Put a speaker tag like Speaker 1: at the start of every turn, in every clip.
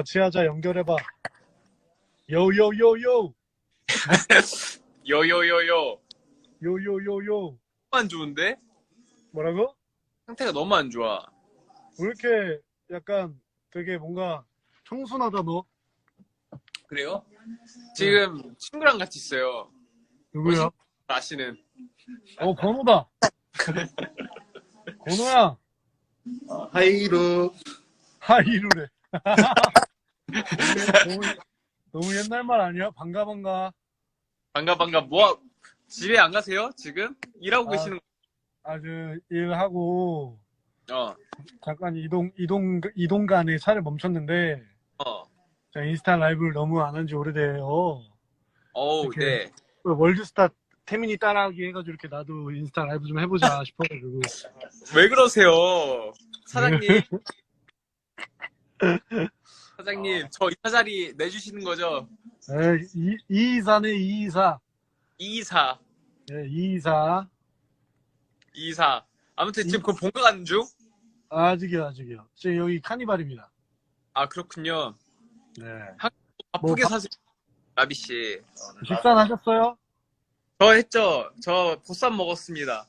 Speaker 1: 같이 하자. 연결해봐. 요요요요.
Speaker 2: 요요요요.
Speaker 1: 요요요요.
Speaker 2: 안 좋은데?
Speaker 1: 뭐라고?
Speaker 2: 상태가 너무 안 좋아.
Speaker 1: 왜 이렇게 약간 되게 뭔가 청순하다 너?
Speaker 2: 그래요? 지금 친구랑 같이 있어요.
Speaker 1: 누구야?
Speaker 2: 아시는.
Speaker 1: 건우다. 건우야.
Speaker 3: 하이루.
Speaker 1: 하이루래. 너무 옛날 말 아니야? 반가.
Speaker 2: 반가. 집에 안 가세요? 지금? 일하고 계시는
Speaker 1: 아주 일하고
Speaker 2: 거.
Speaker 1: 잠깐 이동 간에 차를 멈췄는데 제가 인스타 라이브를 너무 안 한 지 오래돼요.
Speaker 2: 어우,
Speaker 1: 이렇게.
Speaker 2: 네.
Speaker 1: 월드스타 태민이 따라하기 해가지고 이렇게 나도 인스타 라이브 좀 해보자 싶어가지고.
Speaker 2: 왜 그러세요? 사장님. 사장님, 저 이사 자리 내주시는 거죠?
Speaker 1: 이이사네, 이이사.
Speaker 2: 이사.
Speaker 1: 네, 이이사.
Speaker 2: 이사. 아무튼 지금 그거 본가 가는 중?
Speaker 1: 아직이요. 지금 여기 카니발입니다.
Speaker 2: 아, 그렇군요.
Speaker 1: 네.
Speaker 2: 바쁘게 사세요, 라비씨.
Speaker 1: 식사는 하셨어요?
Speaker 2: 저 했죠? 저 보쌈 먹었습니다.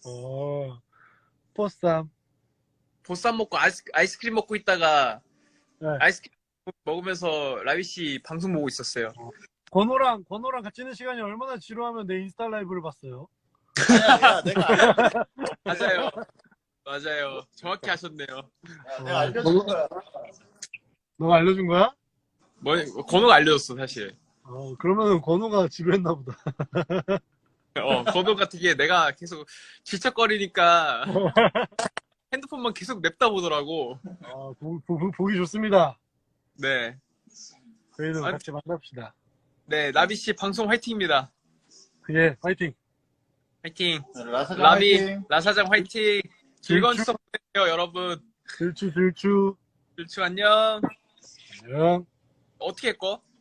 Speaker 1: 보쌈.
Speaker 2: 보쌈 먹고 아이스크림 먹고 있다가
Speaker 1: 네.
Speaker 2: 아이스크림 먹으면서 라비씨 방송 보고 있었어요.
Speaker 1: 건호랑 같이 있는 시간이 얼마나 지루하면 내 인스타 라이브를 봤어요.
Speaker 3: 야, 내가
Speaker 2: 맞아요. 정확히 하셨네요.
Speaker 3: 내가 알려준 거야.
Speaker 1: 너가 알려준 거야?
Speaker 2: 건호가 알려줬어, 사실.
Speaker 1: 그러면은 건호가 지루했나 보다.
Speaker 2: 건호가 되게 내가 계속 질척거리니까 핸드폰만 계속 냅다 보더라고.
Speaker 1: 보기 좋습니다.
Speaker 2: 네.
Speaker 1: 저희도 같이 만납시다.
Speaker 2: 네, 라비씨 방송 화이팅입니다.
Speaker 1: 예, 파이팅.
Speaker 2: 화이팅.
Speaker 3: 라사장 화이팅.
Speaker 2: 라사장 화이팅. 즐거운 추석 보내세요, 여러분.
Speaker 1: 들추.
Speaker 2: 들추 안녕.
Speaker 1: 안녕.
Speaker 2: 어떻게 했고?